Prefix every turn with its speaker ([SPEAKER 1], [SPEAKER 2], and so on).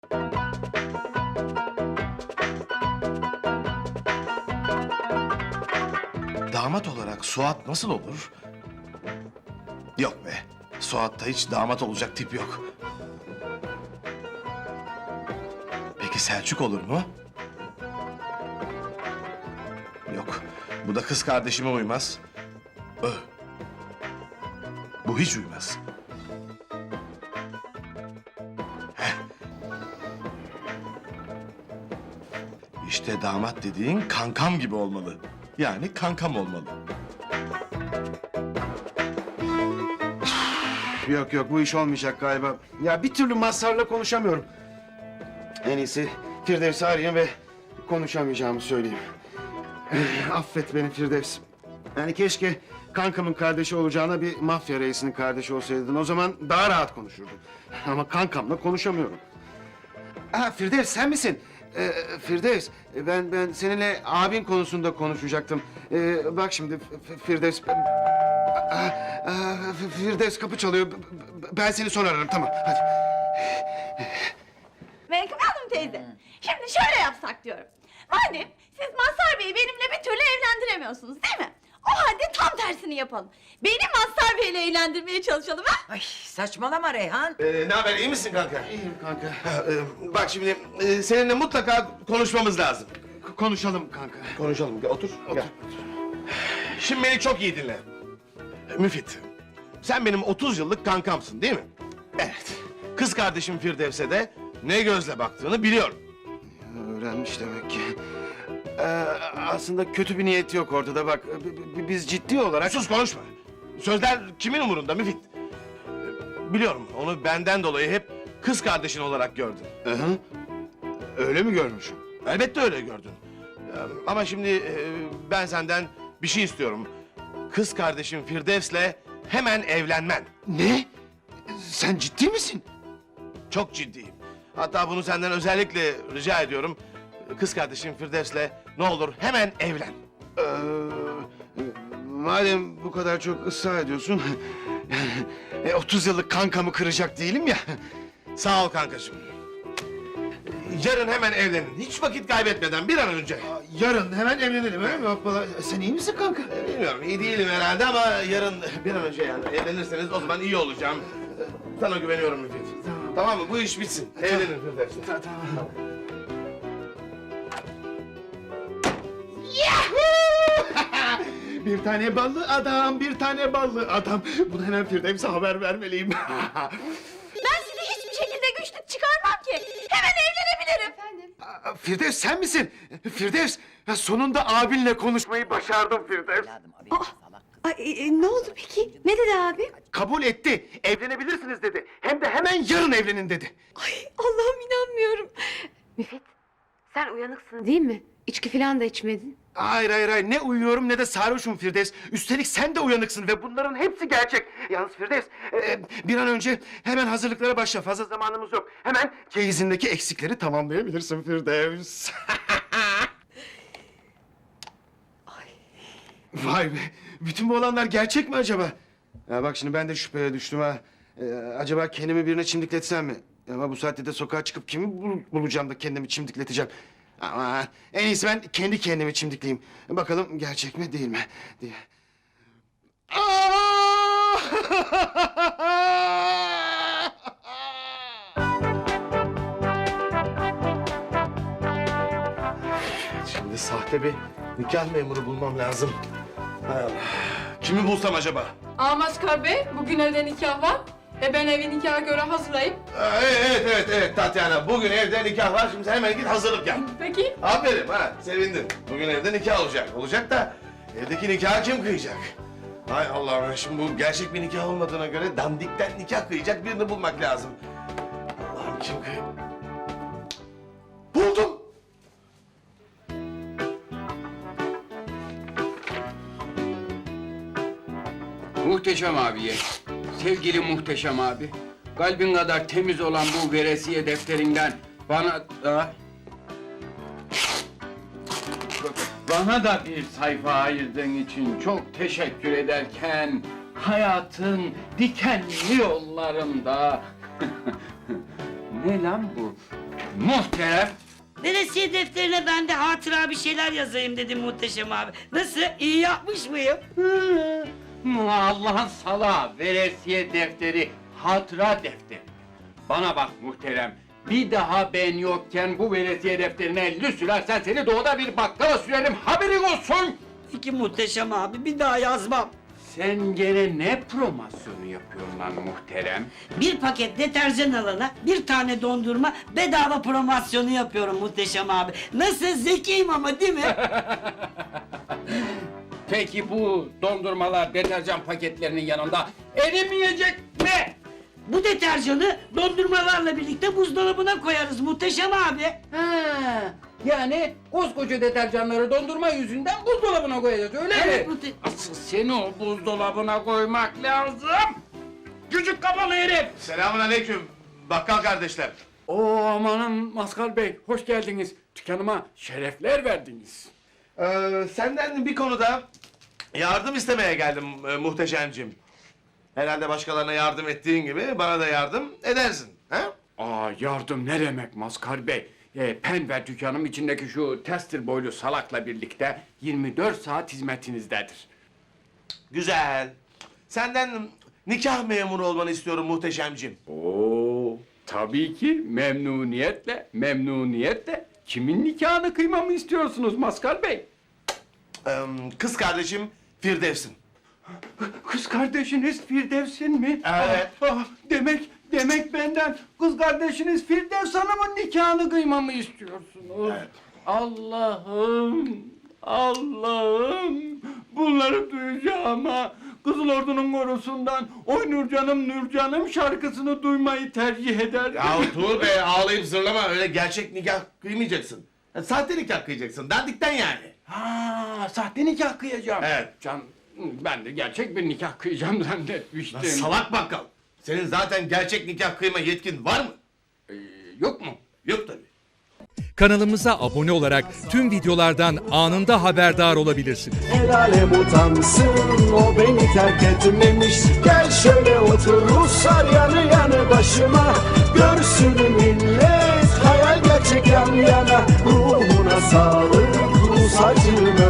[SPEAKER 1] Damat olarak Suat nasıl olur? Yok be. Suat'ta hiç damat olacak tip yok. Peki Selçuk olur mu? Yok. Bu da kız kardeşime uymaz. Bu hiç uymaz. Heh. İşte damat dediğin kankam gibi olmalı. Yani kankam olmalı.
[SPEAKER 2] Yok bu iş olmayacak galiba. Ya bir türlü Mazhar'la konuşamıyorum. En iyisi Firdevs'i arayayım ve konuşamayacağımı söyleyeyim. Affet beni Firdevs. Yani keşke kankamın kardeşi olacağına bir mafya reisinin kardeşi olsaydın. O zaman daha rahat konuşurdum. Ama kankamla konuşamıyorum. Firdevs sen misin? Firdevs, ben seninle abin konusunda konuşacaktım. Bak şimdi Firdevs... Firdevs kapı çalıyor. Ben seni sonra ararım, tamam. Hadi.
[SPEAKER 3] Menkıbe Hanım teyze, şimdi şöyle yapsak diyorum. Madem siz Mazhar Bey'i benimle bir türlü evlendiremiyorsunuz değil mi? O halde tam tersini yapalım. Beni Mazhar Bey'le evlendirmeye çalışalım ha?
[SPEAKER 4] Ay saçmalama Reyhan.
[SPEAKER 1] Ne haber, iyi misin kanka?
[SPEAKER 2] İyiyim kanka.
[SPEAKER 1] Bak şimdi seninle mutlaka konuşmamız lazım.
[SPEAKER 2] Konuşalım kanka.
[SPEAKER 1] Konuşalım. Gel, otur. Gel. Şimdi beni çok iyi dinle. Müfit, sen benim 30 yıllık kankamsın değil mi? Evet. Kız kardeşim Firdevs'e de ne gözle baktığını biliyorum.
[SPEAKER 2] Öğrenmiş demek ki. Aslında kötü bir niyet yok ortada bak. Biz ciddi olarak...
[SPEAKER 1] Sus, konuşma. Sözler kimin umurunda Müfit? Biliyorum, onu benden dolayı hep kız kardeşin olarak gördün.
[SPEAKER 2] Hı. Öyle mi görmüşüm?
[SPEAKER 1] Elbette öyle gördün. Ama şimdi ben senden bir şey istiyorum. Kız kardeşim Firdevs'le hemen evlenmen.
[SPEAKER 2] Ne? Sen ciddi misin?
[SPEAKER 1] Çok ciddiyim. Hatta bunu senden özellikle rica ediyorum. Kız kardeşim Firdevs'le ne olur hemen evlen.
[SPEAKER 2] Madem bu kadar çok ısrar ediyorsun... 30 yıllık kankamı kıracak değilim ya.
[SPEAKER 1] Sağ ol kankacığım. Yarın hemen evlenin. Hiç vakit kaybetmeden bir an önce.
[SPEAKER 2] Yarın hemen evlenelim öyle mi hoppala? Sen iyi misin kanka?
[SPEAKER 1] Bilmiyorum, iyi değilim herhalde ama yarın bir an önce yani evlenirseniz o zaman iyi olacağım. Sana güveniyorum Müfit. Tamam mı? Bu iş bitsin. Evlenin Firdevs.
[SPEAKER 2] Tamam. Bir tane ballı adam, bir tane ballı adam. Bunu hemen Firdevs'e haber vermeliyim.
[SPEAKER 3] Ben sizi hiçbir şekilde güçlük çıkarmam ki. Hemen evlenebilirim. Efendim?
[SPEAKER 2] Firdevs sen misin? Firdevs, ya sonunda abinle konuşmayı başardım Firdevs.
[SPEAKER 4] Evladım abi salak kız.
[SPEAKER 3] Ne oldu peki? Ne dedi abi?
[SPEAKER 2] Kabul etti. Evlenebilirsiniz dedi. Hem de hemen yarın evlenin dedi.
[SPEAKER 3] Ay Allah'ım inanmıyorum.
[SPEAKER 5] Müfit, sen uyanıksın değil mi? İçki falan da içmedin.
[SPEAKER 2] Hayır. Ne uyuyorum ne de sarhoşum Firdevs. Üstelik sen de uyanıksın ve bunların hepsi gerçek. Yalnız Firdevs, bir an önce hemen hazırlıklara başla. Fazla zamanımız yok. Hemen çeyizindeki eksikleri tamamlayabilirsin Firdevs. Vay be. Bütün bu olanlar gerçek mi acaba? Ya bak şimdi ben de şüpheye düştüm ha. Acaba kendimi birine çimdikletsem mi? Ama bu saatte de sokağa çıkıp kimi bulacağım da kendimi çimdikleteceğim. Ama en iyisi ben kendi kendimi çimdikleyeyim. Bakalım gerçek mi değil mi diye.
[SPEAKER 1] Şimdi sahte bir nikah memuru bulmam lazım. Hay Allah. Kimi bulsam acaba?
[SPEAKER 6] Mazhar Bey, bugün evde nikah var. Ben evi nikaha göre hazırlayıp...
[SPEAKER 1] Evet Tatyana. Bugün evde nikah var. Şimdi sen hemen git hazırlık yap.
[SPEAKER 6] Peki.
[SPEAKER 1] Aferin ha, sevindim. Bugün evde nikah olacak. Olacak da evdeki nikahı kim kıyacak? Hay Allah'ım, şimdi bu gerçek bir nikah olmadığına göre dandikten nikah kıyacak birini bulmak lazım. Allah'ım, kim kıy... Buldum!
[SPEAKER 7] Muhteşem abiye, sevgili Muhteşem abi, kalbin kadar temiz olan bu veresiye defterinden bana da bir sayfa ayırdığın için çok teşekkür ederken hayatın dikenli yollarında ne lan bu? Muhterem.
[SPEAKER 8] Veresiye defterine ben de hatıra bir şeyler yazayım dedim Muhteşem abi. Nasıl? İyi yapmış mıyım?
[SPEAKER 7] Allah'ın salağı, veresiye defteri, hatıra defteri. Bana bak muhterem, bir daha ben yokken bu veresiye defterine 50 sürersen seni doğuda bir bakkala sürerim, haberin olsun!
[SPEAKER 8] Peki Muhteşem abi, bir daha yazmam.
[SPEAKER 7] Sen gene ne promosyonu yapıyorsun lan muhterem?
[SPEAKER 8] Bir paket deterjan alana bir tane dondurma bedava promosyonu yapıyorum Muhteşem abi. Nasıl? Zekiyim ama değil mi?
[SPEAKER 7] Peki bu dondurmalar deterjan paketlerinin yanında erimeyecek mi?
[SPEAKER 8] Bu deterjanı dondurmalarla birlikte buzdolabına koyarız Muhteşem abi.
[SPEAKER 7] Ha, yani koskoca deterjanları dondurma yüzünden buzdolabına koyacağız öyle
[SPEAKER 8] Evet,
[SPEAKER 7] mi? Asıl seni o buzdolabına koymak lazım. Küçük kafalı herif.
[SPEAKER 1] Selamünaleyküm bakkal kardeşler.
[SPEAKER 7] Oo amanın Maskal Bey, hoş geldiniz. Dükkanıma şerefler verdiniz.
[SPEAKER 1] Senden bir konuda yardım istemeye geldim muhteşemcim. Herhalde başkalarına yardım ettiğin gibi bana da yardım edersin. Ha?
[SPEAKER 7] Aa yardım ne demek Maskal Bey? Pen ve dükkanım içindeki şu tester boylu salakla birlikte 24 saat hizmetinizdedir.
[SPEAKER 1] Güzel. Senden nikah memuru olmanı istiyorum muhteşemcim.
[SPEAKER 7] Oo tabii ki memnuniyetle, memnuniyetle. Kimin nikahını kıymamı istiyorsunuz Maskal Bey?
[SPEAKER 1] Kız kardeşim Firdevs'in.
[SPEAKER 7] Kız kardeşiniz Firdevs'in mi?
[SPEAKER 1] Evet.
[SPEAKER 7] Demek benden kız kardeşiniz Firdevs Hanım'ın nikahını kıymamı istiyorsunuz.
[SPEAKER 1] Evet.
[SPEAKER 7] Allah'ım, bunları duyacağıma Kızıl Ordu'nun korusundan Oy Nurcanım şarkısını duymayı tercih ederdim.
[SPEAKER 1] Ya Tuğ Bey ağlayıp zırlama öyle gerçek nikah kıymayacaksın. Sahte nikah kıyacaksın dandikten yani.
[SPEAKER 7] Ha, sahte nikah kıyacağım.
[SPEAKER 1] Evet.
[SPEAKER 7] Can, ben de gerçek bir nikah kıyacağım zannetmiştim.
[SPEAKER 1] Lan salak bakkal. Senin zaten gerçek nikah kıyma yetkin var mı?
[SPEAKER 7] Yok mu?
[SPEAKER 1] Yok tabii.
[SPEAKER 9] Kanalımıza abone olarak tüm videolardan anında haberdar olabilirsiniz.
[SPEAKER 10] El alem utansın, o beni terk etmemiş. Gel şöyle otur Ruslar yanı yanı başıma. Görsün millet hayal gerçek yan yana. Ruhuna sağlık Rus acım.